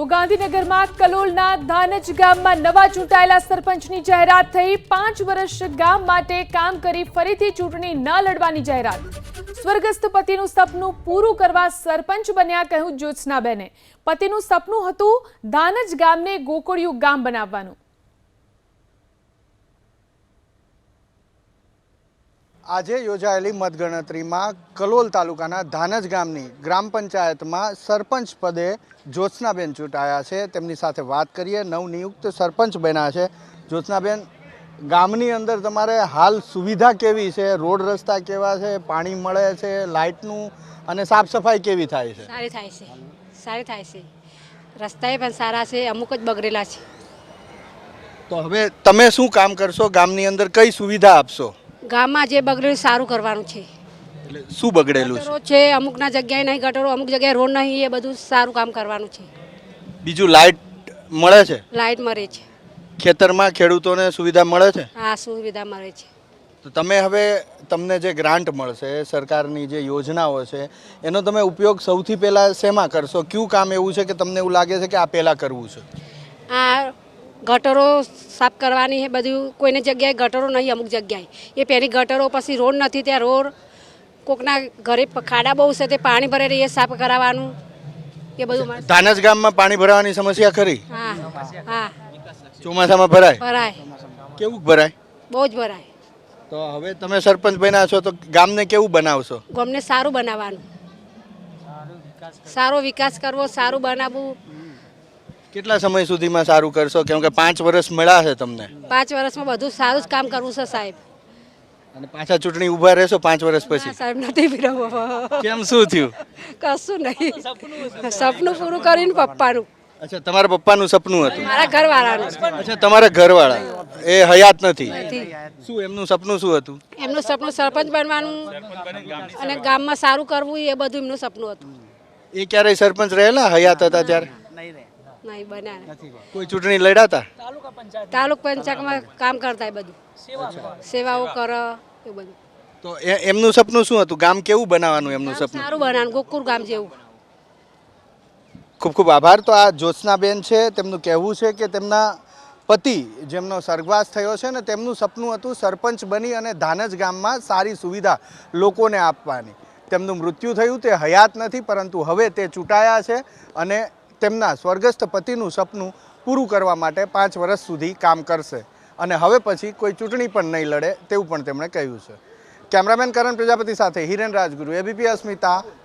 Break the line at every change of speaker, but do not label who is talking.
તો ગાંધીનગરમાં કલોલના ધાનજ ગામમાં નવા ચૂંટાયેલા સરપંચની જાહેરાત થઈ। 5 વર્ષ ગામ માટે કામ કરી ફરીથી ચૂંટણી ન લડવાની જાહેરાત। સ્વર્ગસ્થ પતિનું સપનું પૂરું કરવા સરપંચ બન્યા, કહ્યું જ્યોત્સનાબેને। પતિનું સપનું હતું ધાનજ ગામને ગોકળિયું ગામ બનાવવાનું।
આજે યોજાયેલી મતગણતરીમાં કલોલ તાલુકાના ધાનજ ગામની ગ્રામ પંચાયતમાં સરપંચ પદે જ્યોત્સનાબેન ચૂંટાયા છે। તેમની સાથે વાત કરીએ। નવનિયુક્ત સરપંચ બન્યા છે। જ્યોત્સનાબેન, ગામની અંદર તમારે હાલ સુવિધા કેવી છે? રોડ રસ્તા કેવા છે? પાણી મળે છે? લાઇટનું અને સાફ સફાઈ કેવી થાય છે?
સારી થાય છે। રસ્તાએ પણ સારા છે, અમુક જ બગડેલા છે।
તો હવે તમે શું કામ કરશો? ગામની અંદર કઈ સુવિધા આપશો?
ગામમાં જે બગડેલું સારું કરવાનું છે।
એટલે શું બગડેલું
ગટરો છે, અમુકના જગ્યાએ નહીં ગટરો, અમુક જગ્યાએ રોડ નહીં, એ બધું સારું કામ કરવાનું છે।
બીજું લાઇટ મળે છે?
લાઇટ મળે છે,
ખેતરમાં ખેડૂતોને સુવિધા મળે છે?
હા સુવિધા મળે છે।
તો તમે હવે તમને જે ગ્રાન્ટ મળશે, સરકારની જે યોજનાઓ છે, એનો તમે ઉપયોગ સૌથી પહેલાં શેમાં કરશો? કયું કામ એવું છે કે તમને એવું લાગે છે કે આ પહેલાં કરવું છે?
આ ગટરો સાફ કરવાની છે બધું। કોઈને જગ્યાએ ગટરો નહીં, અમુક જગ્યાએ એ પહેલી ગટરો, પછી રોડ નથી, ત્યાં રોડ, કોકના ઘરે ખાડા બહુ છે તે પાણી ભરે એ સાફ કરાવવાનું, એ બધું।
ધાનજ ગામમાં પાણી ભરાવાની સમસ્યા ખરી?
હા હા,
ચોમાસામાં ભરાય?
ભરાય,
કેવું ભરાય?
બહુ જ ભરાય।
તો હવે તમે સરપંચ બન્યા છો તો ગામને કેવું બનાવશો?
ગામને સારું બનાવવાનું, સારો વિકાસ કરવો, સારું બનાવવું।
કેટલા સમય સુધીમાં સારું કરશો? કેમ કે 5 વર્ષ મળ્યા છે તમને।
5 વર્ષમાં બધું સારું જ કામ કરવું છે સાહેબ।
અને પાછા ચૂંટણી ઊભા રહેશો 5 વર્ષ
ના
પછી?
સાહેબ, નથી પીરવો।
કેમ, શું થયું?
કશું નહીં, સપનું પૂરું કરીને પપ્પાનું,
અચ્છા, તમારા પપ્પાનું સપનું હતું?
મારા ઘરવાળાનું
અચ્છા, તમારા ઘરવાળા એ હયાત નથી?
નથી।
શું એમનું સપનું શું હતું?
એમનું સપનું સરપંચ બનવાનું અને ગામમાં સારું કરવું, એ બધું એમનું સપનું હતું।
એ ક્યારેય સરપંચ રહેલા હયાત હતા ત્યારે?
નહીં બન્યા।
કોઈ ચૂંટણી લડ્યા હતા?
તાલુક પંચાયતમાં કામ કરતા, એ બધું સેવાઓ કરે, એ બધું।
તો એમનું સપનું શું હતું? ગામ કેવું બનાવવાનું એમનું
ગામ
સપનું?
સારું બનાવવાનું, ગોકુળ ગામ જેવું।
ખૂબ ખૂબ આભાર। તો આ જ્યોત્સનાબેન છે, તેમનું કહેવું છે કે તેમના પતિ જેમનો સ્વર્ગવાસ થયો છે ને, તેમનું સપનું હતું સરપંચ બની અને ધાનજ ગામમાં સારી સુવિધા લોકોને આપવાની। તેમનું મૃત્યુ થયું, તે હયાત નથી, પરંતુ હવે તે ચૂંટાયા છે અને તેમના સ્વર્ગસ્થ પતિનું સપનું પૂરું કરવા માટે 5 વર્ષ સુધી કામ કરશે અને હવે પછી કોઈ ચૂંટણી પણ નહીં લડે તેવું પણ તેમણે કહ્યું છે। કેમેરામેન કરણ પ્રજાપતિ સાથે હિરેન રાજગુરુ, એબીપી અસ્મિતા,